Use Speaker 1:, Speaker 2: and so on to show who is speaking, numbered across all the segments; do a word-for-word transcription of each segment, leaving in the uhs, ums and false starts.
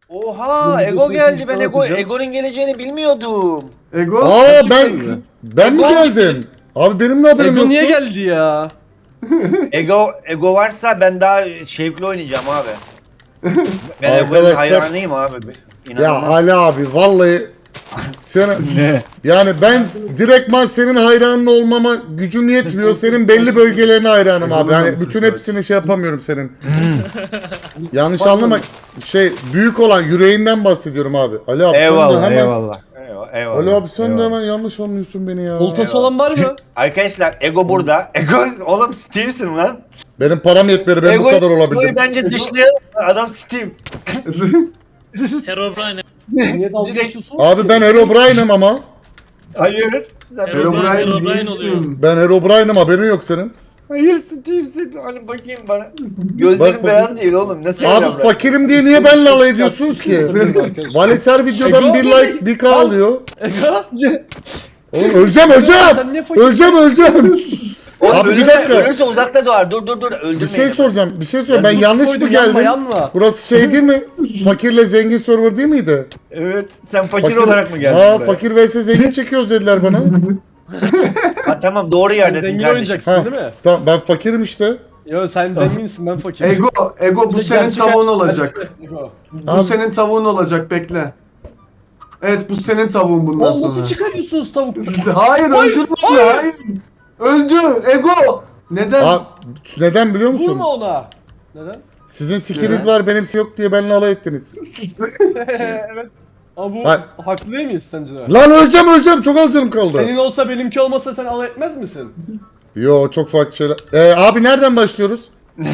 Speaker 1: Oha
Speaker 2: Bu
Speaker 1: Ego
Speaker 2: videoyu
Speaker 1: geldi. Ben
Speaker 2: YouTube'dan
Speaker 1: Ego
Speaker 2: atacağım.
Speaker 1: Ego'nun geleceğini bilmiyordum.
Speaker 3: Ego.
Speaker 4: Aa
Speaker 2: Gerçekten
Speaker 4: ben
Speaker 2: mi?
Speaker 4: ben mi
Speaker 1: Ego-
Speaker 4: geldim? Abi benim de haberim
Speaker 2: Ego
Speaker 4: yoktu.
Speaker 2: niye geldi ya?
Speaker 1: Ego Ego varsa ben daha şevkli oynayacağım abi. Ben Ego'nun
Speaker 4: Arkadaşlar-
Speaker 1: hayranıyım abi.
Speaker 4: Ya
Speaker 1: İnanılmaz.
Speaker 4: Ali abi vallahi sen yani ben direktman senin hayranın olmama gücüm yetmiyor. Senin belli bölgelerine hayranım abi. Yani
Speaker 3: Ego'nun
Speaker 4: bütün
Speaker 3: sesi
Speaker 4: hepsini şey yapamıyorum senin. Yanlış anlama. Şey büyük olan yüreğinden bahsediyorum abi. Ali abi sen de
Speaker 1: Eyvallah
Speaker 4: hemen
Speaker 1: eyvallah. Eyvallah. eyvallah.
Speaker 4: Ali abi sen de
Speaker 1: eyvallah.
Speaker 4: hemen yanlış anlıyorsun beni ya.
Speaker 2: Oltası olan var mı?
Speaker 1: Arkadaşlar Ego burada. Ego oğlum Steve'sin lan.
Speaker 4: Benim param yetmedi ben bu kadar
Speaker 1: Ego'yu
Speaker 4: olabildim.
Speaker 1: bence dışlayalım. Adam Steve.
Speaker 5: Herobrine.
Speaker 2: Niye dalga
Speaker 1: Direkt-
Speaker 2: geçiyorsun?
Speaker 4: Abi ben Herobrine'im ama.
Speaker 1: Hayır. Sen
Speaker 5: Herobrine,
Speaker 3: Herobrine
Speaker 5: Herobrine oluyor.
Speaker 3: değilsin.
Speaker 4: Ben Herobrine'im haberin yok senin.
Speaker 1: Hayır Steve'sin. Hani bakayım bana. Gözlerim
Speaker 4: Bak,
Speaker 1: beyaz değil oğlum. Nasıl
Speaker 4: Abi
Speaker 1: evlenmem?
Speaker 4: fakirim diye niye benimle alay ediyorsunuz ki? Vales her videodan
Speaker 2: Ego?
Speaker 4: bir like bir k alıyor.
Speaker 2: Ego?
Speaker 4: Oğlum öleceğim öleceğim.
Speaker 2: Sen niye fakir?
Speaker 4: Öleceğim öleceğim.
Speaker 1: Oğlum
Speaker 4: Abi bir
Speaker 1: ölürse-
Speaker 4: dakika.
Speaker 1: Ölürse uzakta doğar. Dur dur dur. Öldürmeyin.
Speaker 4: Bir şey soracağım. Bir şey soracağım. Ben
Speaker 2: Dur,
Speaker 4: yanlış
Speaker 2: koydu,
Speaker 4: mı
Speaker 2: yanma,
Speaker 4: geldim?
Speaker 2: yanma.
Speaker 4: Burası şey değil mi? Fakirle zengin server değil miydi?
Speaker 1: Evet. Sen fakir, olarak mı geldin
Speaker 4: Ha
Speaker 1: buraya?
Speaker 4: fakir vs zengin çekiyoruz dediler bana.
Speaker 1: Ha, tamam doğru
Speaker 2: Sen
Speaker 1: yerdesin
Speaker 2: zengin
Speaker 1: kardeşim.
Speaker 2: oynayacaksın
Speaker 4: Ha.
Speaker 2: değil mi?
Speaker 4: Tamam ben fakirim işte.
Speaker 2: Yo sen zenginsin ben fakirim.
Speaker 3: Ego, Ego bu
Speaker 2: Bize
Speaker 3: senin
Speaker 2: gerçek
Speaker 3: tavuğun
Speaker 2: hayat-
Speaker 3: olacak.
Speaker 2: Ego.
Speaker 3: Bu
Speaker 4: Abi-
Speaker 3: senin tavuğun olacak, bekle. Evet, bu senin tavuğun bundan
Speaker 2: Oğlum nasıl
Speaker 3: sonra.
Speaker 2: çıkarıyorsunuz tavuk?
Speaker 3: Hayır, öldürme onu, hayır. Öldü, Ego. Neden?
Speaker 4: Abi neden biliyor musun?
Speaker 2: Vurma ona. Neden?
Speaker 4: Sizin skiniz var benim yok diye benimle alay ettiniz.
Speaker 2: Evet. Ama bu
Speaker 4: Hayır.
Speaker 2: haklı değil miyiz sence de?
Speaker 4: Lan öleceğim öleceğim çok az canım kaldı.
Speaker 2: Senin olsa benimki olmasa sen alay etmez misin?
Speaker 4: Yo çok farklı şeyler. Ee, abi nereden başlıyoruz?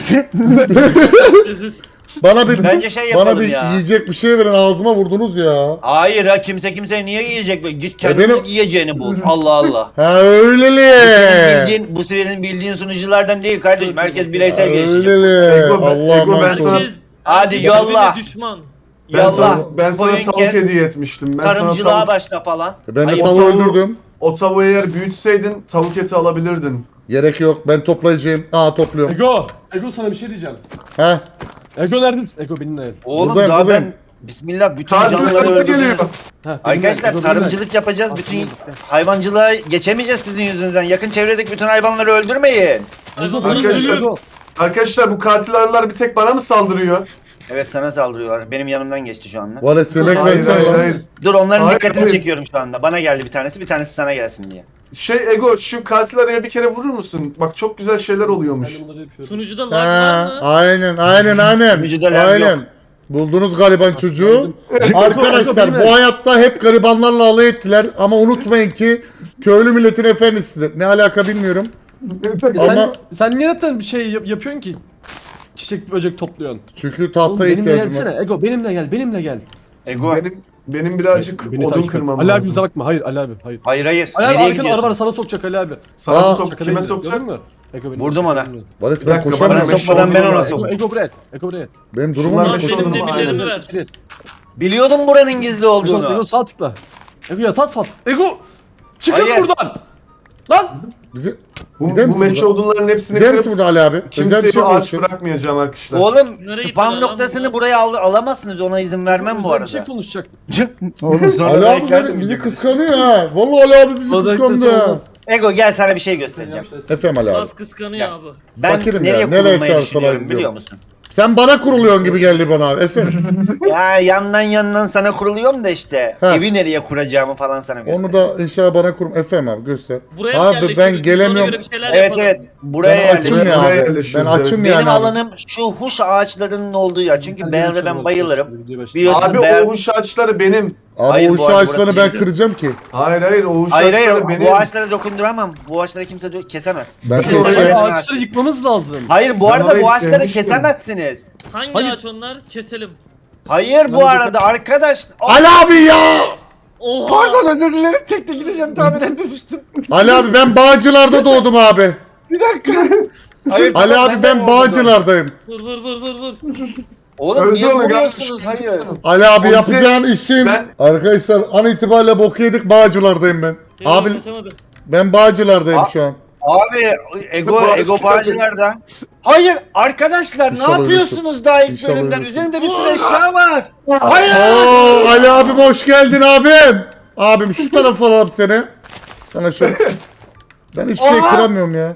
Speaker 5: Siz
Speaker 4: Bana bir
Speaker 1: Bence şey
Speaker 4: bana
Speaker 1: yapalım
Speaker 4: bir
Speaker 1: ya.
Speaker 4: yiyecek bir şey verin ağzıma vurdunuz ya.
Speaker 1: Hayır ha kimse kimseye niye yiyecek? be? Git kendin
Speaker 4: benim-
Speaker 1: yiyeceğini bul. Allah Allah.
Speaker 4: Ha öyleli.
Speaker 1: Senin bildiğin, bu senin bildiğin sunuculardan değil kardeşim. Herkes bireysel gelişecek.
Speaker 4: Öyleli.
Speaker 3: Ego,
Speaker 4: Allah'ım
Speaker 3: Ego, ben
Speaker 4: emanet
Speaker 3: sana-
Speaker 4: olun.
Speaker 5: herkes,
Speaker 1: Hadi
Speaker 5: herkes
Speaker 1: yolla.
Speaker 5: birbirine düşman.
Speaker 3: ben
Speaker 1: Yallah.
Speaker 3: sana, ben sana
Speaker 1: Koyun
Speaker 3: tavuk
Speaker 1: kes,
Speaker 3: hediye etmiştim. Ben sana
Speaker 1: Tarımcılığa
Speaker 3: tavuk,
Speaker 1: başla falan.
Speaker 4: Ben de
Speaker 1: Ayıp.
Speaker 4: tavuğu
Speaker 3: tavuğu-
Speaker 4: öldürdüm.
Speaker 3: o tavuğu eğer büyütseydin tavuk eti alabilirdin.
Speaker 4: Gerek yok ben toplayacağım. Aa topluyorum.
Speaker 2: Ego! Ego sana bir şey diyeceğim.
Speaker 4: Ha
Speaker 2: Ego neredesin? Ego benimle gel.
Speaker 1: Oğlum
Speaker 4: Buradayım,
Speaker 1: daha
Speaker 4: buradayım.
Speaker 1: ben Bismillah bütün
Speaker 3: Tatil
Speaker 1: canlıları
Speaker 3: sana
Speaker 1: öldürdüm.
Speaker 3: geliyor.
Speaker 2: Heh, benimle,
Speaker 1: Arkadaşlar
Speaker 2: Ego benimle.
Speaker 1: tarımcılık yapacağız. Bütün
Speaker 2: Benimle.
Speaker 1: hayvancılığa geçemeyeceğiz sizin yüzünüzden. Yakın çevredeki bütün hayvanları öldürmeyin.
Speaker 2: Ego
Speaker 5: Hayvanları
Speaker 2: benimle,
Speaker 3: Arkadaşlar-
Speaker 2: Ego.
Speaker 3: Arkadaşlar bu katil arılar bir tek bana mı saldırıyor?
Speaker 1: Evet sana saldırıyorlar. Benim yanımdan geçti şu anda.
Speaker 4: Vales yemek
Speaker 3: Hayır,
Speaker 4: versene
Speaker 3: hayır,
Speaker 4: lan.
Speaker 3: hayır.
Speaker 1: Dur onların
Speaker 3: Hayır,
Speaker 1: dikkatini
Speaker 3: hayır.
Speaker 1: çekiyorum şu anda. Bana geldi bir tanesi, bir tanesi sana gelsin diye.
Speaker 3: Şey Ego, şu katil arıya bir kere vurur musun? Bak çok güzel şeyler oluyormuş.
Speaker 2: Ben de bunları yapıyorum.
Speaker 5: Sunucuda lag
Speaker 4: Ha,
Speaker 5: var mı?
Speaker 4: aynen aynen aynen.
Speaker 1: Vücuda lag
Speaker 4: Aynen.
Speaker 1: yok.
Speaker 4: Buldunuz gariban çocuğu.
Speaker 2: Ego
Speaker 4: Arkadaşlar
Speaker 2: benimle.
Speaker 4: bu hayatta hep garibanlarla alay ettiler ama unutmayın ki köylü milletin efendisidir. Ne alaka bilmiyorum.
Speaker 2: E
Speaker 4: Ama-
Speaker 2: sen, sen niye zaten bir şey yap- yapıyorsun ki? Çiçek böcek topluyorsun.
Speaker 4: Çünkü
Speaker 2: Oğlum
Speaker 4: tahta
Speaker 2: benimle
Speaker 4: ihtiyacım var.
Speaker 2: gelsene. Ego benimle gel, benimle gel.
Speaker 1: Ego.
Speaker 3: Benim benim birazcık
Speaker 2: Beni
Speaker 3: odun
Speaker 2: takip et.
Speaker 3: kırmam
Speaker 2: Ali abi
Speaker 3: lazım.
Speaker 2: bize bakma. Hayır Ali abi. Hayır.
Speaker 1: Hayır hayır.
Speaker 2: Ali abi
Speaker 1: Nereye
Speaker 2: arkana araba var
Speaker 1: gidiyorsun?
Speaker 2: sana sokacak Ali abi.
Speaker 3: Sana
Speaker 4: Aa,
Speaker 3: sok,
Speaker 2: Şaka
Speaker 3: kime
Speaker 2: değil,
Speaker 3: sokacak?
Speaker 2: gördün mü? Ego benim.
Speaker 1: Vurdum ona.
Speaker 4: Barış
Speaker 3: Bir
Speaker 4: ben
Speaker 3: dakika,
Speaker 4: koşamıyorum.
Speaker 3: bana
Speaker 1: Bana sokmadan ben ona soktum.
Speaker 2: Ego buraya. Ego buraya.
Speaker 4: Benim durumum
Speaker 3: Şunlar
Speaker 4: yok.
Speaker 5: Lan
Speaker 3: beş
Speaker 5: benim
Speaker 3: oldu mu?
Speaker 5: demirlerimi
Speaker 3: Aynen.
Speaker 5: ver.
Speaker 1: Biliyordum buranın gizli
Speaker 2: Ego, Ego
Speaker 1: olduğunu.
Speaker 2: sağ tıkla. Ego yatağa sağ tıkla. Ego! Çıkın
Speaker 1: Hayır.
Speaker 2: buradan! Lan!
Speaker 4: Bizi
Speaker 3: Bu,
Speaker 4: Gider
Speaker 3: bu
Speaker 4: misin
Speaker 3: meşe
Speaker 4: buradan?
Speaker 3: odunların hepsini
Speaker 4: gider
Speaker 3: kırıp
Speaker 4: misin burada Ali abi? Özel bir
Speaker 3: kimseye
Speaker 4: şey
Speaker 3: ağaç
Speaker 4: konuşacağız.
Speaker 3: bırakmayacağım arkadaşlar.
Speaker 1: Oğlum
Speaker 5: Nereye
Speaker 1: spam
Speaker 5: gittiler lan
Speaker 1: noktasını
Speaker 5: bunlar?
Speaker 1: buraya al alamazsınız. Ona izin vermem bu
Speaker 2: Bir şey
Speaker 1: arada.
Speaker 2: konuşacak.
Speaker 1: Oğlum sonra
Speaker 4: Ali
Speaker 1: da
Speaker 4: abi
Speaker 1: eklersin
Speaker 4: bizi, bizi
Speaker 1: bizi.
Speaker 4: kıskanıyor ha. Vallahi Ali abi bizi
Speaker 2: Özellikle
Speaker 4: kıskandı ha.
Speaker 2: olmaz.
Speaker 1: Ego gel sana bir şey göstereceğim.
Speaker 4: Efendim Ali abi.
Speaker 5: Laz kıskanıyor
Speaker 1: Ya.
Speaker 5: abi.
Speaker 1: Ben
Speaker 4: Fakirim
Speaker 1: nereye
Speaker 4: ya, nereye
Speaker 1: kurulmayı
Speaker 4: çağırsalar
Speaker 1: düşünüyorum
Speaker 4: gidiyorum.
Speaker 1: biliyor musun?
Speaker 4: Sen bana kuruluyorsun gibi geldi bana abi. Efendim.
Speaker 1: Ya yandan yandan sana kuruluyorum da işte.
Speaker 4: Ha.
Speaker 1: Evi nereye kuracağımı falan sana göstereyim.
Speaker 4: Onu da inşallah bana kurum. Efendim abi göster.
Speaker 5: Buraya
Speaker 4: Abi
Speaker 5: yerleştiririz,
Speaker 4: ben
Speaker 5: biz ona
Speaker 4: gelemiyorum.
Speaker 5: göre bir şeyler
Speaker 1: Evet
Speaker 5: yapalım.
Speaker 1: evet. Buraya
Speaker 4: Ben
Speaker 1: yerleştim.
Speaker 4: açım ya
Speaker 3: Buraya
Speaker 4: abi. Ben
Speaker 3: yerleşiyoruz,
Speaker 4: açım
Speaker 3: evet.
Speaker 4: yani
Speaker 1: Benim
Speaker 4: abi.
Speaker 1: alanım şu huş ağaçlarının olduğu yer. Çünkü
Speaker 2: Sen
Speaker 1: beyaza
Speaker 2: de
Speaker 1: ben
Speaker 2: başla,
Speaker 1: bayılırım.
Speaker 2: başla, videoya başla.
Speaker 1: Biliyorsun
Speaker 3: Abi
Speaker 1: beyaz-
Speaker 3: o uç ağaçları benim.
Speaker 4: Abi
Speaker 1: Hayır,
Speaker 4: o
Speaker 1: bu
Speaker 4: şu
Speaker 1: arada
Speaker 4: ağaçlarını
Speaker 1: burası
Speaker 4: ben
Speaker 1: bizim.
Speaker 4: kıracağım ki.
Speaker 3: Hayır hayır o uç
Speaker 1: Hayır hayır
Speaker 3: ağaçları benim.
Speaker 1: bu ağaçlara dokunduramam. Bu ağaçları kimse dö- kesemez.
Speaker 4: Ben
Speaker 3: Peki,
Speaker 4: de
Speaker 3: oraya-
Speaker 4: şey,
Speaker 2: Abi ağaçları yıkmamız lazım.
Speaker 1: Hayır bu
Speaker 3: Ben
Speaker 1: arada
Speaker 3: orayı
Speaker 1: bu ağaçları
Speaker 3: sevmiştim.
Speaker 1: kesemezsiniz.
Speaker 5: Hangi
Speaker 2: Hayır.
Speaker 5: ağaç onlar? Keselim.
Speaker 1: Hayır bu
Speaker 2: Ben-
Speaker 1: arada arkadaş. Aa,
Speaker 4: Ali abi ya!
Speaker 5: Oha!
Speaker 1: Pardon özür dilerim tek tek gideceğim tahmin etmemiştim.
Speaker 4: Ali abi ben Bağcılar'da doğdum abi.
Speaker 1: Bir dakika. Hayır,
Speaker 4: Ali
Speaker 1: tamam,
Speaker 4: abi
Speaker 1: de
Speaker 4: ben
Speaker 1: orada
Speaker 4: Bağcılar'dayım.
Speaker 5: Vur vur vur vur vur.
Speaker 1: Oğlum
Speaker 3: Öldü
Speaker 1: niye
Speaker 3: onu,
Speaker 1: vuruyorsunuz?
Speaker 3: gelmiş.
Speaker 1: Hayır.
Speaker 4: Ali abi
Speaker 3: O bize-
Speaker 4: yapacağın işin.
Speaker 3: Ben-
Speaker 4: Arkadaşlar an itibariyle bok yedik Bağcılar'dayım ben.
Speaker 5: Eyvah,
Speaker 4: Abi
Speaker 5: kaçamadı.
Speaker 4: ben Bağcılar'dayım
Speaker 1: A-
Speaker 4: şu an.
Speaker 1: Abi Ego
Speaker 3: Bağış
Speaker 1: Ego
Speaker 3: geldi.
Speaker 1: bağcı nerede? Hayır arkadaşlar ne
Speaker 4: İnşallah
Speaker 1: yapıyorsunuz daha ilk
Speaker 4: İnşallah
Speaker 1: bölümden?
Speaker 4: ölürsün.
Speaker 1: Üzerimde bir sürü eşya var. Hayır.
Speaker 4: Oo, Ali abim hoş geldin abim. Abim şu tarafa alalım seni. Sana şu. Ben hiçbir şey
Speaker 1: Aa!
Speaker 4: kıramıyorum ya.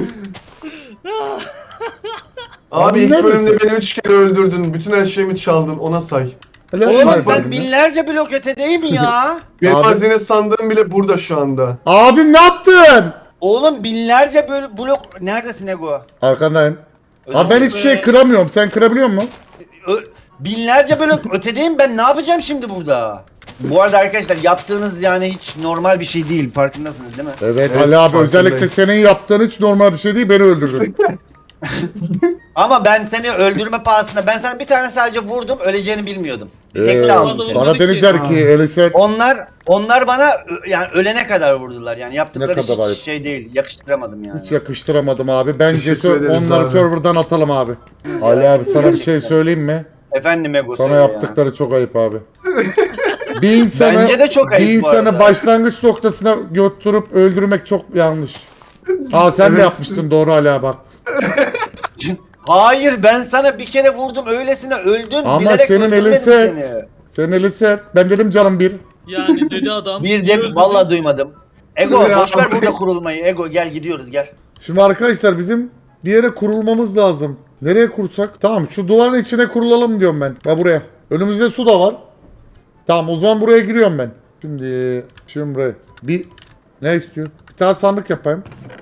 Speaker 3: Abi
Speaker 4: Abi
Speaker 3: ilk
Speaker 4: neredesin?
Speaker 3: bölümde beni üç kere öldürdün. Bütün her şeyimi çaldın. Ona say.
Speaker 4: Ali
Speaker 1: Oğlum
Speaker 4: abim
Speaker 1: ben
Speaker 4: nerede?
Speaker 1: binlerce blok ötedeyim ya.
Speaker 3: Benim
Speaker 4: Abi-
Speaker 3: hazine sandığım bile burada şu anda.
Speaker 4: Abim ne yaptın?
Speaker 1: Oğlum binlerce böyle blok neredesin Ego?
Speaker 4: Arkandayım.
Speaker 1: Özür
Speaker 4: Abi ben
Speaker 1: dilerim.
Speaker 4: hiçbir şey kıramıyorum. Sen kırabiliyor musun?
Speaker 1: Ö- binlerce blok ötedeyim ben ne yapacağım şimdi burada? Bu arada arkadaşlar yaptığınız yani hiç normal bir şey değil farkındasınız değil mi?
Speaker 4: Evet,
Speaker 3: Evet,
Speaker 4: Ali abi
Speaker 3: farkındayım.
Speaker 4: özellikle senin yaptığın hiç normal bir şey değil. Beni öldürdün.
Speaker 1: Ama ben seni öldürme pahasına ben sana bir tane sadece vurdum öleceğini bilmiyordum. Bir tek
Speaker 4: Ee,
Speaker 1: de
Speaker 5: Vallahi
Speaker 1: aldım.
Speaker 5: vurmadık
Speaker 4: bana
Speaker 5: ki.
Speaker 4: denizler ki Elisek.
Speaker 1: Onlar onlar bana ö- yani ölene kadar vurdular yani yaptıkları
Speaker 4: Ne kadar
Speaker 1: hiç
Speaker 4: ayıp.
Speaker 1: şey değil yakıştıramadım yani.
Speaker 4: Hiç yakıştıramadım abi. Bence
Speaker 3: Teşekkür
Speaker 4: sö-
Speaker 3: ederiz
Speaker 4: onları
Speaker 3: abi.
Speaker 4: serverdan atalım abi. Ali abi sana bir şey söyleyeyim mi?
Speaker 1: Efendim Ego
Speaker 4: Sana
Speaker 1: söyle ya.
Speaker 4: yaptıkları çok ayıp abi. Bir insanı,
Speaker 1: Bence de çok ayıp
Speaker 4: bir
Speaker 1: bu
Speaker 4: insanı
Speaker 1: arada.
Speaker 4: başlangıç noktasına götürüp öldürmek çok yanlış. Aa sen de
Speaker 3: Evet.
Speaker 4: yapmıştın doğru Ali abi haklısın.
Speaker 1: Hayır ben sana bir kere vurdum öylesine öldün.
Speaker 4: Ama
Speaker 1: bilerek
Speaker 4: senin
Speaker 1: öldürmedim
Speaker 4: elin sert.
Speaker 1: seni.
Speaker 4: Sen Elisek. Ben dedim canım bir.
Speaker 5: Yani dedi adam.
Speaker 1: Bir de
Speaker 5: öldürdü.
Speaker 1: vallahi duymadım. Ego
Speaker 3: Ya.
Speaker 1: boşver burada kurulmayı. Ego gel gidiyoruz gel.
Speaker 4: Şimdi arkadaşlar bizim bir yere kurulmamız lazım. Nereye kursak? Tamam şu duvarın içine kurulalım diyorum ben. Ya buraya. Önümüzde su da var. Tamam o zaman buraya giriyorum ben. Şimdi şimdi buraya. Bir ne istiyor? Bir tane sandık yapayım.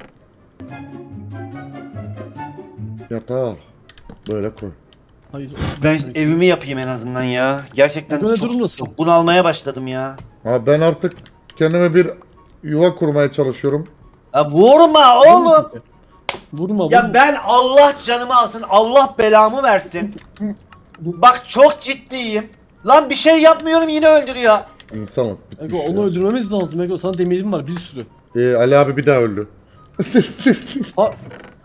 Speaker 4: Yatağı al. Böyle koy.
Speaker 2: Hayır.
Speaker 1: Ben evimi yapayım en azından ya. Gerçekten
Speaker 2: Böyle
Speaker 1: çok,
Speaker 2: durum nasıl?
Speaker 1: çok bunalmaya başladım ya.
Speaker 4: Abi ben artık kendime bir yuva kurmaya çalışıyorum.
Speaker 1: Ya vurma oğlum.
Speaker 2: Vurma
Speaker 1: Ya
Speaker 2: vurma.
Speaker 1: ben Allah canımı alsın. Allah belamı versin. Bak çok ciddiyim. Lan bir şey yapmıyorum yine öldürüyor.
Speaker 4: İnsanlık bitmiş
Speaker 2: Ego
Speaker 4: ya.
Speaker 2: onu öldürmemiz lazım Ego. Sana demirim var bir sürü.
Speaker 4: Ee, Ali abi bir daha öldü.
Speaker 2: Ha.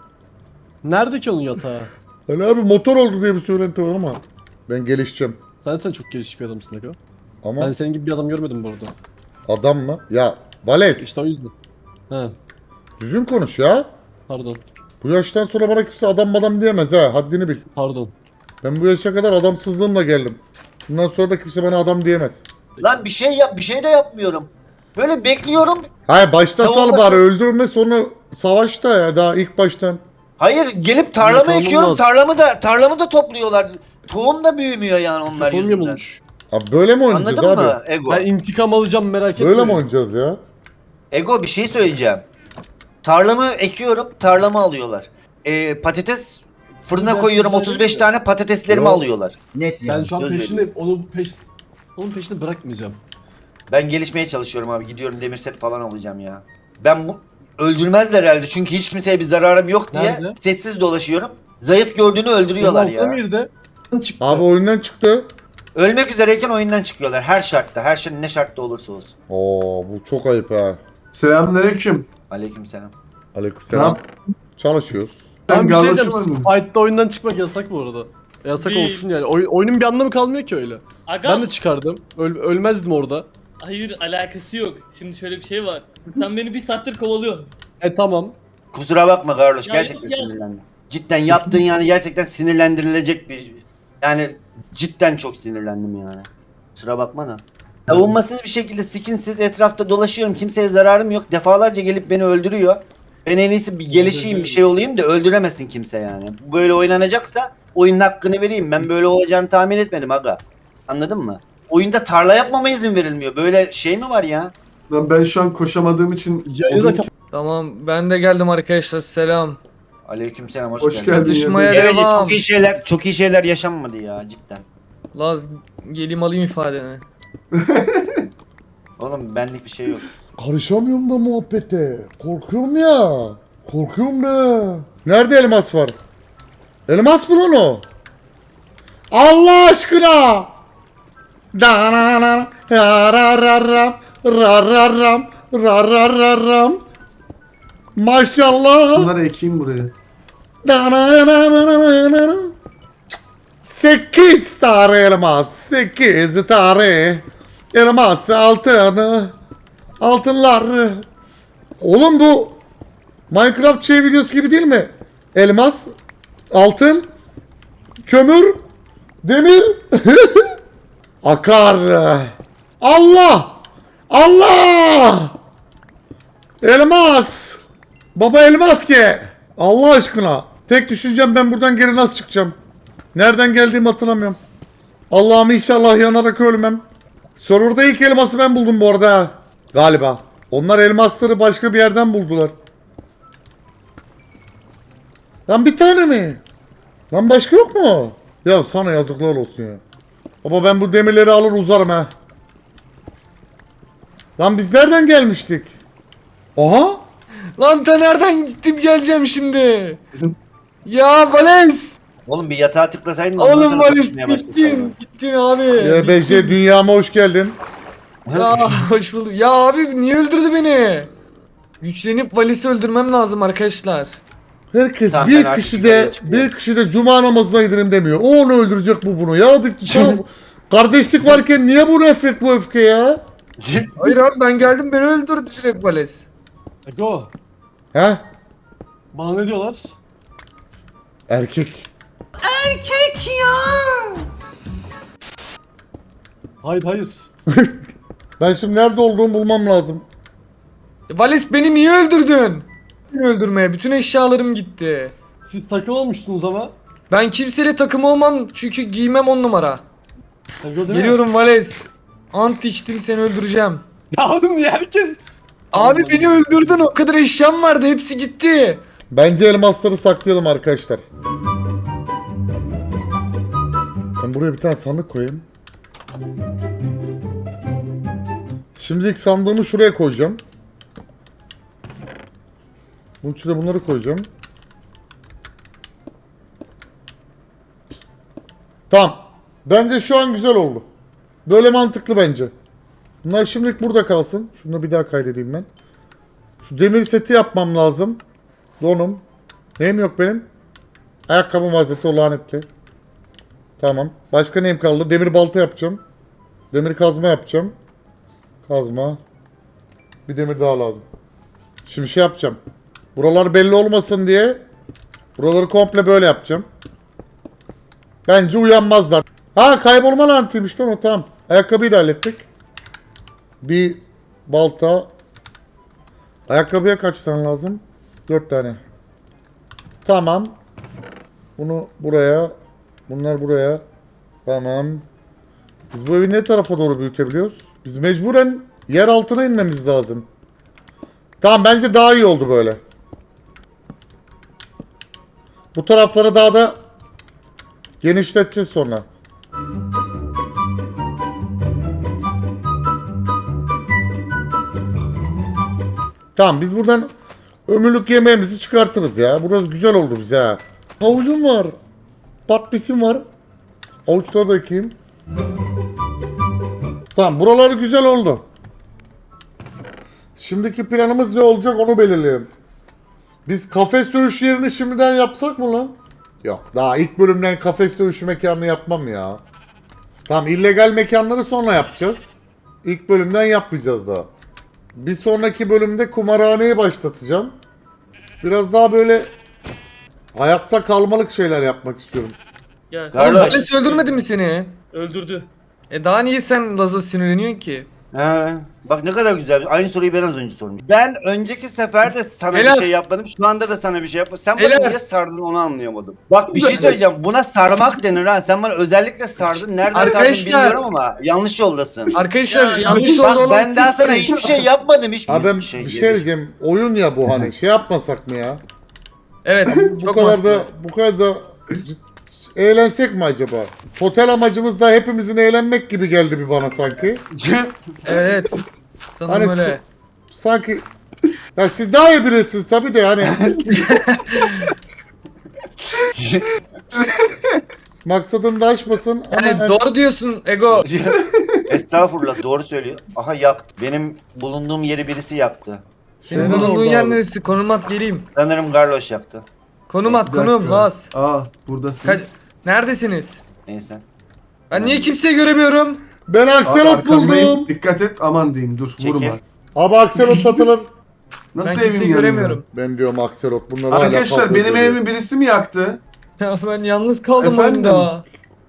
Speaker 2: Nerede ki onun yatağı?
Speaker 4: Ali abi motor oldu diye bir söylenti var ama. Ben gelişeceğim.
Speaker 2: Sen zaten çok gelişik bir adamsın Ego.
Speaker 4: Ama
Speaker 2: Ben senin gibi bir adam görmedim bu arada.
Speaker 4: adam mı? Ya Vales
Speaker 2: İşte o yüzden. He
Speaker 4: düzgün konuş ya.
Speaker 2: pardon.
Speaker 4: Bu yaştan sonra bana kimse adam adam diyemez ha. Haddini bil.
Speaker 2: Pardon.
Speaker 4: Ben bu yaşa kadar adamsızlığımla geldim. Bundan sonra da kimse bana adam diyemez.
Speaker 1: Lan bir şey yap bir şey de yapmıyorum. Böyle bekliyorum.
Speaker 4: Hayır başta sal
Speaker 1: Savunma-
Speaker 4: bari öldürme sonra savaşta ya daha ilk baştan.
Speaker 1: Hayır gelip tarlamı
Speaker 2: Yakalım
Speaker 1: ekiyorum.
Speaker 2: lazım.
Speaker 1: Tarlamı da tarlamı da topluyorlar. Tohum da büyümüyor yani onlar
Speaker 2: Son
Speaker 1: yüzünden.
Speaker 2: yamulmuş.
Speaker 4: Abi böyle mi oynayacağız
Speaker 1: Anladın
Speaker 4: abi?
Speaker 1: mı Ego?
Speaker 2: Ben intikam alacağım merak etme.
Speaker 4: Böyle mi oynayacağız ya?
Speaker 1: Ego bir şey söyleyeceğim. Tarlamı ekiyorum, tarlamı alıyorlar. Ee, patates fırına
Speaker 2: Ben
Speaker 1: koyuyorum
Speaker 2: size
Speaker 1: otuz beş
Speaker 2: söyleyeyim
Speaker 1: tane patateslerimi
Speaker 4: Yok.
Speaker 1: alıyorlar. Net yani.
Speaker 2: Ben şu an
Speaker 1: söz
Speaker 2: peşinde
Speaker 1: veriyorum.
Speaker 2: onu peş onun peşinde bırakmayacağım.
Speaker 1: Ben gelişmeye çalışıyorum abi. Gidiyorum demir set falan alacağım ya. Ben bu öldürmezler herhalde çünkü hiç kimseye bir zararım yok diye
Speaker 2: Nerede?
Speaker 1: sessiz dolaşıyorum. Zayıf gördüğünü öldürüyorlar
Speaker 2: Altta
Speaker 1: ya.
Speaker 2: bir de çıktı.
Speaker 4: Abi oyundan çıktı.
Speaker 1: Ölmek üzereyken oyundan çıkıyorlar her şartta. Her şey ne şartta olursa olsun.
Speaker 4: Oo bu çok ayıp ha.
Speaker 3: Selamünaleyküm.
Speaker 1: Aleykümselam.
Speaker 4: Aleykümselam. Çalışıyoruz.
Speaker 2: Ben bir şey diyeceğim.
Speaker 3: garloşu mu?
Speaker 2: Fight'ta oyundan çıkmak yasak bu arada. Yasak
Speaker 5: Değil.
Speaker 2: olsun yani. Oy- oyunun bir anlamı kalmıyor ki öyle.
Speaker 5: Aga.
Speaker 2: Ben de çıkardım. Öl- ölmezdim orada.
Speaker 5: Hayır alakası yok. Şimdi şöyle bir şey var. Sen beni bir saattir kovalıyorsun.
Speaker 2: E tamam.
Speaker 1: Kusura bakma Carlos
Speaker 5: Ya,
Speaker 1: gerçekten
Speaker 5: ya.
Speaker 1: sinirlendim. Cidden yaptığın yani gerçekten sinirlendirilecek bir yani cidden çok sinirlendim yani. Kusura bakma da. Savunmasız bir şekilde skinsiz etrafta dolaşıyorum. Kimseye zararım yok. Defalarca gelip beni öldürüyor. Ben en iyisi bir gelişeyim bir şey olayım da öldüremesin kimse yani. Böyle oynanacaksa oyunun hakkını vereyim. Ben böyle olacağını tahmin etmedim aga. Anladın mı? Oyunda tarla yapmama izin verilmiyor. Böyle şey mi var ya?
Speaker 3: Lan ben şu an koşamadığım için
Speaker 2: Yayını da
Speaker 3: odun-
Speaker 2: kap-
Speaker 6: Tamam ben de geldim arkadaşlar selam.
Speaker 1: Aleykümselam hoş,
Speaker 3: Hoş
Speaker 1: geldin.
Speaker 3: geldin.
Speaker 6: Çatışmaya
Speaker 1: Evet,
Speaker 6: devam.
Speaker 1: çok iyi şeyler, çok iyi şeyler yaşanmadı ya cidden.
Speaker 6: Laz geleyim alayım ifadeni.
Speaker 1: Oğlum benlik bir şey yok.
Speaker 4: Karışamıyorum da muhabbete. Korkuyorum ya. Korkuyorum da. Nerede elmas var? Elmas mı lan o? Allah aşkına. Da-na-na-na, ra-ra-ra-ram, ra-ra-ram, ra-ra-ra-ram. Maşallah.
Speaker 3: bunları ekeyim buraya.
Speaker 4: Da-na-na-na-na-na-na. Sekiz tane elmas. Sekiz tane elmas altını. Altınlar. Oğlum bu Minecraft şey videosu gibi değil mi? Elmas, altın, kömür, demir. Akar. Allah! Allah! Elmas! Baba elmas ki! Allah aşkına. Tek düşüncem ben buradan geri nasıl çıkacağım? Nereden geldiğimi hatırlamıyorum. Allah'ım inşallah yanarak ölmem. Server'da ilk elması ben buldum bu arada ha. Galiba. Onlar elmasları başka bir yerden buldular. Lan bir tane mi? Lan başka yok mu? Ya sana yazıklar olsun ya. Baba ben bu demirleri alır uzarım ha. Lan biz nereden gelmiştik? Aha!
Speaker 6: Lan ta nereden gittim geleceğim şimdi? Ya Vales!
Speaker 1: Oğlum bir yatağa tıklasaydın. ondan
Speaker 6: Oğlum
Speaker 1: sonra
Speaker 6: Vales
Speaker 1: konuşmaya başlasaydın.
Speaker 6: gittin. Gittin abi.
Speaker 4: Y B C dünyama hoş geldin.
Speaker 6: Ya hoş bulduk. Ya abi niye öldürdü beni? Güçlenip Vales'i öldürmem lazım arkadaşlar.
Speaker 4: Herkes
Speaker 1: Zaten
Speaker 4: bir
Speaker 1: artık
Speaker 4: kişi de
Speaker 1: yukarıya çıkıyor.
Speaker 4: bir kişi de cuma namazına gidelim demiyor. O onu öldürecek bu bunu. Ya bir tamam, kardeşlik varken niye bu nefret bu öfke ya?
Speaker 6: Hayır abi ben geldim beni öldürdü direkt Vales.
Speaker 2: Ego.
Speaker 4: He?
Speaker 2: Bana ne diyorlar?
Speaker 4: Erkek.
Speaker 2: Hayır hayır.
Speaker 4: Ben şimdi nerede olduğumu bulmam lazım.
Speaker 6: Vales beni niye öldürdün? Beni öldürmeye bütün eşyalarım gitti.
Speaker 2: Siz takım olmuştunuz ama.
Speaker 6: Ben kimseyle takım olmam çünkü giymem on numara.
Speaker 2: Ego değil mi?
Speaker 6: Geliyorum Vales. Ant içtim seni öldüreceğim.
Speaker 2: Ya oğlum niye herkes?
Speaker 6: Abi beni öldürdün o kadar eşyam vardı hepsi gitti.
Speaker 4: Bence elmasları saklayalım arkadaşlar. Ben buraya bir tane sandık koyayım. Şimdi ilk sandığımı şuraya koyacağım. Bunun içine bunları koyacağım. Tamam. Bence şu an güzel oldu. Böyle mantıklı bence. Bunlar şimdilik burada kalsın. Şunu da bir daha kaydedeyim ben. Şu demir seti yapmam lazım. Donum. Neyim yok benim? Ayakkabım vaziyeti o lanetli. Tamam. Başka neyim kaldı? Demir balta yapacağım. Demir kazma yapacağım. Kazma. Bir demir daha lazım. Şimdi şey yapacağım. Buralar belli olmasın diye buraları komple böyle yapacağım. Bence uyanmazlar. Ha kaybolma lanetiymiş lan o, tamam. Ayakkabıyı da hallettik. Bir balta. Ayakkabıya kaç tane lazım? Dört tane. Tamam. Bunu buraya. Bunlar buraya. Tamam. Biz bu evi ne tarafa doğru büyütebiliyoruz? Biz mecburen yer altına inmemiz lazım. Tamam bence daha iyi oldu böyle. Bu tarafları daha da genişleteceğiz sonra. Tamam biz buradan ömürlük yemeğimizi çıkartırız ya. Burası güzel oldu bize ha. Havucum var. Patlisim var. Havuçları da ekeyim. Tamam buraları güzel oldu. Şimdiki planımız ne olacak onu belirleyelim. Biz kafes dövüş yerini şimdiden yapsak mı lan? Yok daha ilk bölümden kafes dövüşü mekanını yapmam ya. Tamam illegal mekanları sonra yapacağız. İlk bölümden yapmayacağız daha. Bir sonraki bölümde kumarhaneyi başlatacağım. Biraz daha böyle hayatta kalmalık şeyler yapmak istiyorum.
Speaker 5: Gel.
Speaker 6: Oğlum
Speaker 1: Kardeş.
Speaker 6: Vales öldürmedi mi seni?
Speaker 5: Öldürdü.
Speaker 6: E daha niye sen Laz'a sinirleniyorsun ki?
Speaker 1: He, bak ne kadar güzel. Aynı soruyu ben az önce sormuştum. Ben önceki sefer de sana
Speaker 6: Helal.
Speaker 1: bir şey yapmadım. Şu anda da sana bir şey yapmadım. Sen bana
Speaker 6: Helal.
Speaker 1: niye sardın onu anlayamadım. Bak bir şey söyleyeceğim. Buna sarmak denir ha. Sen bana özellikle sardın. Nereden sardın
Speaker 6: Arkadaşlar.
Speaker 1: bilmiyorum ama yanlış yoldasın.
Speaker 6: Arkadaşlar
Speaker 5: Ya,
Speaker 6: yanlış oldu
Speaker 1: Bak
Speaker 6: olan
Speaker 1: ben daha sana
Speaker 6: sizsiniz.
Speaker 1: hiçbir şey yapmadım. Hiçbir
Speaker 4: Abi ben
Speaker 1: şey.
Speaker 4: bir şey diyeceğim. Oyun ya bu hani. Şey yapmasak mı ya?
Speaker 6: Evet
Speaker 4: Bu
Speaker 6: çok
Speaker 4: kadar
Speaker 6: mantıklı.
Speaker 4: da bu kadar da cid- eğlensek mi acaba? Total amacımız da hepimizin eğlenmek gibi geldi bir bana sanki.
Speaker 6: Evet. Sanırım
Speaker 4: Hani
Speaker 6: öyle.
Speaker 4: s- sanki ya siz daha iyi bilirsiniz tabii de hani. Maksadım da aşmasın ama
Speaker 6: Yani
Speaker 4: hani-
Speaker 6: doğru diyorsun Ego.
Speaker 1: Estağfurullah doğru söylüyor. Aha yaktı. Benim bulunduğum yeri birisi yaktı.
Speaker 6: Senin
Speaker 4: Senin
Speaker 6: bulunduğun
Speaker 4: oldu
Speaker 6: yer
Speaker 4: abi.
Speaker 6: neresi? Konum at geleyim.
Speaker 1: Sanırım Garloş yaktı.
Speaker 6: Konum at
Speaker 3: Bir
Speaker 6: konum
Speaker 3: dakika.
Speaker 6: Laz.
Speaker 3: Aa buradasın.
Speaker 6: Ka- Neredesiniz?
Speaker 1: Neyse.
Speaker 6: Ben niye kimseyi göremiyorum?
Speaker 4: ben
Speaker 3: Abi
Speaker 4: Akselot
Speaker 3: arkamdayım.
Speaker 4: buldum.
Speaker 3: Dikkat et aman diyeyim dur
Speaker 1: Çekil.
Speaker 3: vurma.
Speaker 4: Abi Akselot satılır.
Speaker 3: Nasıl
Speaker 6: Ben
Speaker 3: evim
Speaker 6: kimseyi
Speaker 3: yanıyor?
Speaker 6: göremiyorum.
Speaker 4: Ben diyorum Akselot bunlar hala
Speaker 3: Arkadaşlar
Speaker 4: kavga
Speaker 3: benim
Speaker 4: ediyor.
Speaker 3: evimi birisi mi yaktı?
Speaker 6: Ya ben yalnız kaldım
Speaker 3: Efendim?
Speaker 6: oyunda.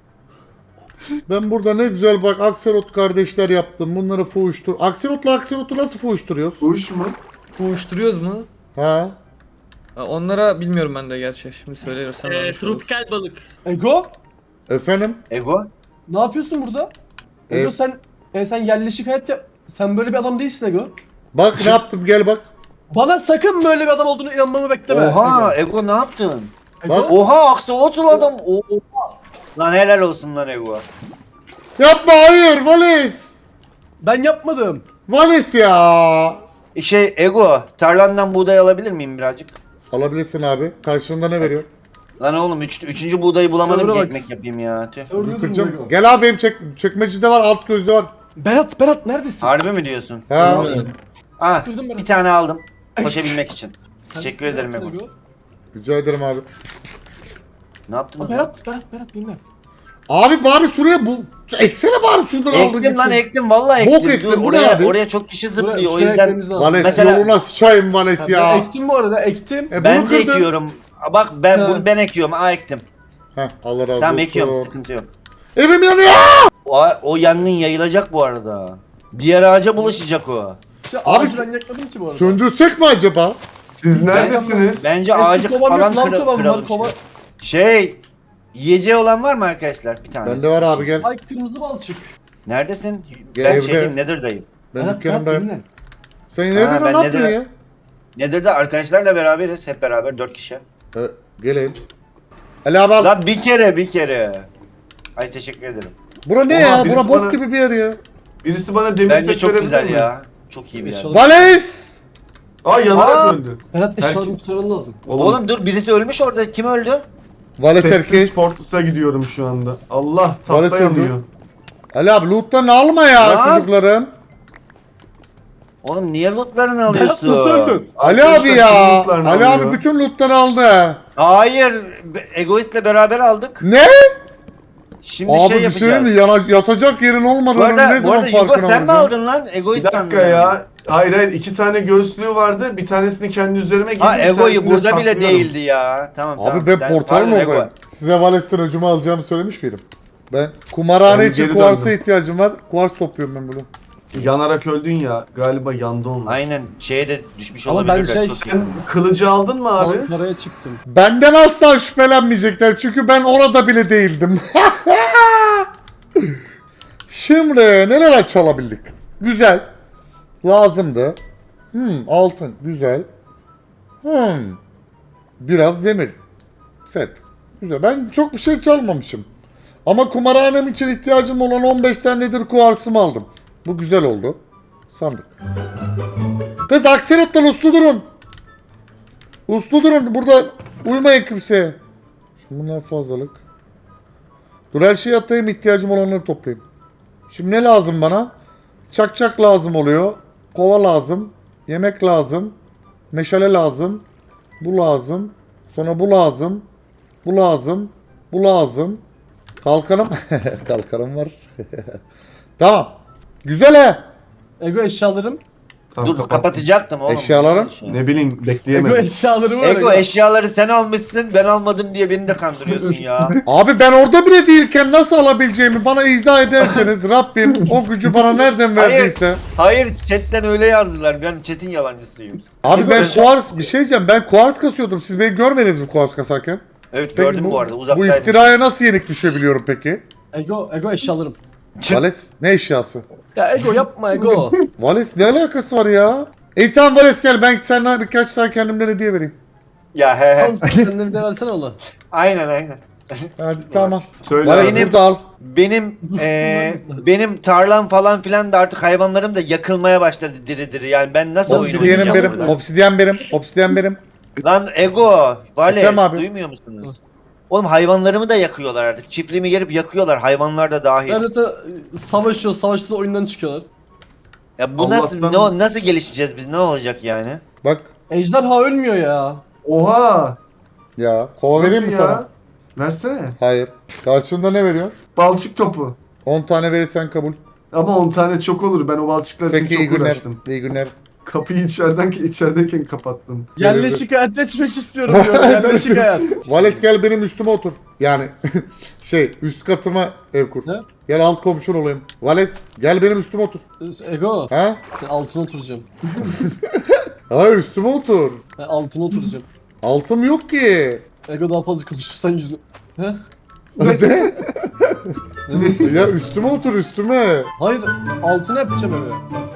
Speaker 4: Ben burada ne güzel bak Akselot kardeşler yaptım. Bunları fuhuştur. Akselot'la Akselot'u nasıl fuhuşturuyoruz?
Speaker 3: Uş mu?
Speaker 6: Uyuşturuyoruz mu?
Speaker 4: Ha?
Speaker 6: Ha, onlara bilmiyorum ben de gerçi. Şimdi söylüyorsan.
Speaker 5: Ee,
Speaker 6: yanlış olur.
Speaker 5: tropikal balık.
Speaker 2: Ego
Speaker 4: Efendim?
Speaker 1: Ego?
Speaker 2: ne yapıyorsun burada? Ego
Speaker 4: Ev-
Speaker 2: sen e, sen yerleşik hayat yap. Sen böyle bir adam değilsin Ego.
Speaker 4: Bak ne yaptım gel bak.
Speaker 2: Bana sakın böyle bir adam olduğunu inanmamı bekleme.
Speaker 1: Oha
Speaker 2: Ego.
Speaker 1: Ego ne yaptın?
Speaker 2: Ego.
Speaker 4: Bak.
Speaker 1: Oha aksolotl adam. Oha. Lan helal olsun lan Ego.
Speaker 4: Yapma hayır Vales.
Speaker 2: Ben yapmadım.
Speaker 4: Vales ya.
Speaker 1: Şey Ego tarlandan buğday alabilir miyim birazcık?
Speaker 4: Alabilirsin abi. Karşılığında ne veriyor?
Speaker 1: Lan oğlum üç, üçüncü buğdayı bulamadım
Speaker 2: Doğru
Speaker 1: ki
Speaker 2: bak.
Speaker 1: ekmek yapayım ya. Tüh.
Speaker 2: Öldürdün
Speaker 4: Kıracağım.
Speaker 2: Ego.
Speaker 4: Gel abi benim çek çekmecede var alt gözlü var.
Speaker 2: Berat Berat neredesin?
Speaker 1: Harbi mi diyorsun?
Speaker 4: Ha.
Speaker 2: Evet.
Speaker 1: Ah
Speaker 2: Kırdım ben.
Speaker 1: bir tane aldım. Koşabilmek için.
Speaker 2: Sen
Speaker 1: Teşekkür
Speaker 2: ne
Speaker 1: ederim
Speaker 2: yaptın
Speaker 1: Ego.
Speaker 4: Rica ederim abi.
Speaker 1: Ne
Speaker 2: Aa,
Speaker 1: yaptınız lan?
Speaker 2: Berat Berat Berat bilmem.
Speaker 4: Abi bari şuraya bu eksene bari şuradan aldın.
Speaker 1: Ektim lan
Speaker 4: gittin.
Speaker 1: ektim vallahi
Speaker 4: Bok
Speaker 1: ektim.
Speaker 4: ektim,
Speaker 1: Dur,
Speaker 4: bu ne
Speaker 1: oraya,
Speaker 4: abi?
Speaker 1: oraya çok kişi
Speaker 2: Buraya-
Speaker 1: zıplıyor o
Speaker 2: şuraya
Speaker 1: yüzden.
Speaker 2: ekmemiz lazım.
Speaker 4: Vales
Speaker 1: Mesela-
Speaker 4: yoluna sıçayım Vales
Speaker 2: Ha,
Speaker 4: ya.
Speaker 2: Ben ektim bu arada ektim.
Speaker 4: E,
Speaker 1: Ben
Speaker 4: bunu
Speaker 1: de
Speaker 4: kırdın.
Speaker 1: ekiyorum. Aa, Bak ben
Speaker 2: Ha.
Speaker 1: bunu ben ekiyorum. Aa ektim.
Speaker 4: Heh Allah razı
Speaker 1: Tamam
Speaker 4: olsun.
Speaker 1: ekiyorum sıkıntı yok.
Speaker 4: Evim yanıyor.
Speaker 1: O, o yangın yayılacak bu arada. Diğer ağaca bulaşacak o.
Speaker 2: Ya,
Speaker 4: Abi,
Speaker 2: ağacı ben yakmadım ki bu arada.
Speaker 4: Söndürsek mi acaba?
Speaker 3: Siz neredesiniz?
Speaker 1: Bence
Speaker 2: Eski
Speaker 1: ağacı
Speaker 2: kovam yok,
Speaker 1: falan
Speaker 2: lan
Speaker 1: kıra,
Speaker 2: kovam var,
Speaker 1: kıralım
Speaker 2: kova-
Speaker 1: işte. Şey yiyeceği olan var mı arkadaşlar? Bir tane.
Speaker 4: Bende var abi gel.
Speaker 2: Ay kırmızı balçık.
Speaker 1: Neredesin?
Speaker 4: Gel
Speaker 1: ben
Speaker 4: evde.
Speaker 1: şeydeyim Nether'dayım.
Speaker 4: Ben
Speaker 2: Berat,
Speaker 4: dükkanımdayım.
Speaker 2: Berat,
Speaker 4: Sen
Speaker 1: Ha,
Speaker 4: nereden
Speaker 1: ben
Speaker 4: ne yapıyorsun
Speaker 1: neden-
Speaker 4: ya?
Speaker 1: Nether'da arkadaşlarla beraberiz. Hep beraber dört kişi.
Speaker 4: E, geleyim. Ali abi al.
Speaker 1: Lan bir kere bir kere. Ay teşekkür ederim.
Speaker 4: Bura ne
Speaker 3: Oha,
Speaker 4: ya?
Speaker 3: birisi
Speaker 4: Bura bok
Speaker 3: bana-
Speaker 4: gibi bir yer ya.
Speaker 3: Birisi bana demir
Speaker 1: Bence
Speaker 3: set
Speaker 1: çok
Speaker 3: verebilir
Speaker 1: güzel
Speaker 3: mi?
Speaker 1: ya. Çok iyi bir yer.
Speaker 2: Eşyalarım-
Speaker 4: Vales!
Speaker 3: Aa yanarak
Speaker 1: Aa!
Speaker 3: öldü.
Speaker 2: Berat
Speaker 3: Herkes-
Speaker 2: eşyalarımı kurtarman lazım.
Speaker 1: Oğlum dur birisi ölmüş orada. Kim öldü?
Speaker 4: Vales
Speaker 3: Sessiz
Speaker 4: herkes.
Speaker 3: Fortress'a gidiyorum şu anda. Allah
Speaker 4: Vales
Speaker 3: tahta
Speaker 4: öldü.
Speaker 3: yanıyor.
Speaker 4: Ali abi loot'tan alma ya
Speaker 1: Lan!
Speaker 4: çocukların.
Speaker 1: Oğlum niye lootlarını
Speaker 2: Berat
Speaker 1: alıyorsun?
Speaker 2: nasıl öldün?
Speaker 4: Ali
Speaker 3: Arkadaşlar,
Speaker 4: abi ya.
Speaker 3: kim lootlarını
Speaker 4: Ali
Speaker 3: alıyor?
Speaker 4: abi bütün loot'tan aldı.
Speaker 1: Hayır. be- Egoist'le beraber aldık.
Speaker 4: Ne?
Speaker 1: Şimdi
Speaker 4: Abi
Speaker 1: şey
Speaker 4: bir şey
Speaker 1: yapacağız.
Speaker 4: mi? Yana, yatacak yerin
Speaker 1: Bu
Speaker 4: olmadığını
Speaker 1: arada,
Speaker 4: ne
Speaker 1: bu
Speaker 4: zaman
Speaker 1: arada Yugo
Speaker 4: farkına
Speaker 1: sen mi
Speaker 4: varacaksın?
Speaker 1: aldın lan?
Speaker 3: Bir
Speaker 1: Egoist
Speaker 3: dakika
Speaker 1: sandım.
Speaker 3: ya. Hayır hayır iki tane göğüslüğü vardı. Bir tanesini kendi üzerime giydim.
Speaker 1: Ha
Speaker 3: bir
Speaker 1: Ego'yu
Speaker 3: tanesini de
Speaker 1: burada bile
Speaker 3: saklıyorum.
Speaker 1: değildi ya. Tamam tamam.
Speaker 4: Abi ben
Speaker 1: Sen-
Speaker 4: portalım
Speaker 1: pardon, Ego.
Speaker 4: oradayım. Size Vales'ten öcümü alacağımı söylemiş miydim? Ben kumarhane
Speaker 3: Ben
Speaker 4: için
Speaker 3: geri
Speaker 4: kuarsa
Speaker 3: döndüm.
Speaker 4: ihtiyacım var. Kuars topluyorum ben bunu.
Speaker 3: Yanarak öldün ya. Galiba yandı onlar.
Speaker 1: Aynen şeye de düşmüş
Speaker 2: Ama
Speaker 1: olabilirler.
Speaker 2: ben şey-
Speaker 1: Çok iyi.
Speaker 3: Sen kılıcı aldın mı abi?
Speaker 2: Ankara'ya çıktım.
Speaker 4: Benden asla şüphelenmeyecekler çünkü ben orada bile değildim. Şimdi neler çalabildik? Güzel. Lazımdı. Hmm, altın. Güzel. Hmm. Biraz demir. Set. Güzel. Ben çok bir şey çalmamışım. Ama kumarhanem için ihtiyacım olan on beş tanedir kuarsımı aldım. Bu güzel oldu. Sandık. Kız Akselot'tan uslu durun. Uslu durun. Burada uyumayın kimseye. Şimdi bunlar fazlalık. Dur her şeyi atayım, ihtiyacım olanları toplayayım. Şimdi ne lazım bana? Çakçak lazım oluyor. Kova lazım. Yemek lazım. Meşale lazım. Bu lazım. Sonra bu lazım. Bu lazım. Bu lazım. Kalkanım. Kalkanım var. Tamam. Güzel he.
Speaker 2: Ego eşyalarım.
Speaker 3: Tamam,
Speaker 1: Dur
Speaker 3: kapat.
Speaker 1: kapatacaktım oğlum.
Speaker 4: Eşyalarım?
Speaker 3: Ne bileyim
Speaker 2: Ego
Speaker 3: bekleyemedim.
Speaker 2: eşyalarım var.
Speaker 1: Ego eşyaları sen almışsın ben almadım diye beni de kandırıyorsun ya.
Speaker 4: Abi ben orada bile değilken nasıl alabileceğimi bana izah ederseniz Rabbim o gücü bana nereden verdiyse.
Speaker 1: Hayır chatten öyle yazdılar ben chat'in yalancısıyım.
Speaker 4: Abi ben
Speaker 2: Ego-
Speaker 4: kuars bir şey diyeceğim. Ben kuars kasıyordum. Siz beni görmediniz mi kuars kasarken?
Speaker 1: Evet
Speaker 4: Peki
Speaker 1: gördüm bu, arada
Speaker 4: Bu
Speaker 1: uzaktaydım.
Speaker 4: iftiraya nasıl yenik düşebiliyorum peki?
Speaker 2: Ego Ego eşyalarım.
Speaker 4: Vales ne eşyası?
Speaker 2: Ya Ego yapma Ego.
Speaker 4: Vales ne alakası var ya? İyi tamam Vales gel ben senden birkaç tane kendimden hediye vereyim.
Speaker 1: Ya he he.
Speaker 2: Tamam sen kendini de versene ona.
Speaker 1: Aynen aynen.
Speaker 4: Hadi tamam.
Speaker 3: Söyle
Speaker 4: Vales
Speaker 3: abi.
Speaker 1: Benim-
Speaker 4: burada al.
Speaker 1: Benim eee benim tarlam falan filan da artık hayvanlarım da yakılmaya başladı diri diri. Yani ben nasıl oyun
Speaker 4: Obsidiyenim
Speaker 1: oynayacağım
Speaker 4: benim.
Speaker 1: burada?
Speaker 4: Obsidyen benim. Obsidyen benim.
Speaker 1: Lan Ego, Vale
Speaker 4: Efendim abi?
Speaker 1: duymuyor musunuz? Oğlum hayvanlarımı da yakıyorlar artık. Çiftliğimi gelip yakıyorlar hayvanlar da dahil.
Speaker 2: Yani de savaşıyor, savaşta oyundan çıkıyorlar.
Speaker 1: Ya bu nasıl
Speaker 3: Allah'tan-
Speaker 1: ne, nasıl gelişeceğiz biz? Ne olacak yani?
Speaker 4: Bak
Speaker 2: Ejderha ölmüyor ya.
Speaker 3: Oha.
Speaker 4: ya kova vereyim mi
Speaker 3: Nasıl ya?
Speaker 4: sana?
Speaker 3: Versene.
Speaker 4: Hayır. Karşında ne veriyor?
Speaker 3: Balçık topu.
Speaker 4: on tane verirsen kabul.
Speaker 3: Ama on tane çok olur. Ben o balçıklar için
Speaker 4: Peki iyi
Speaker 3: çok
Speaker 4: günler.
Speaker 3: uğraştım.
Speaker 4: İyi günler.
Speaker 3: Kapıyı içeriden içerideyken kapattın.
Speaker 2: Yerle şikayet etmek istiyorum diyor. Yerle şikayet.
Speaker 4: Vales gel benim üstüme otur. Yani şey üst katıma ev kur.
Speaker 2: Ne?
Speaker 4: Gel alt komşun olayım. Vales gel benim üstüme otur.
Speaker 2: Ego.
Speaker 4: Ha?
Speaker 2: Ben altına oturacağım.
Speaker 4: Hayır üstüme otur.
Speaker 2: Ben altına oturacağım.
Speaker 4: Altım yok ki.
Speaker 2: Ego daha fazla konuşursan yüzünü. He?
Speaker 4: Ne?
Speaker 2: Ne diyorsun?
Speaker 4: Ya üstüme otur üstüme.
Speaker 2: Hayır altına yapacağım evi.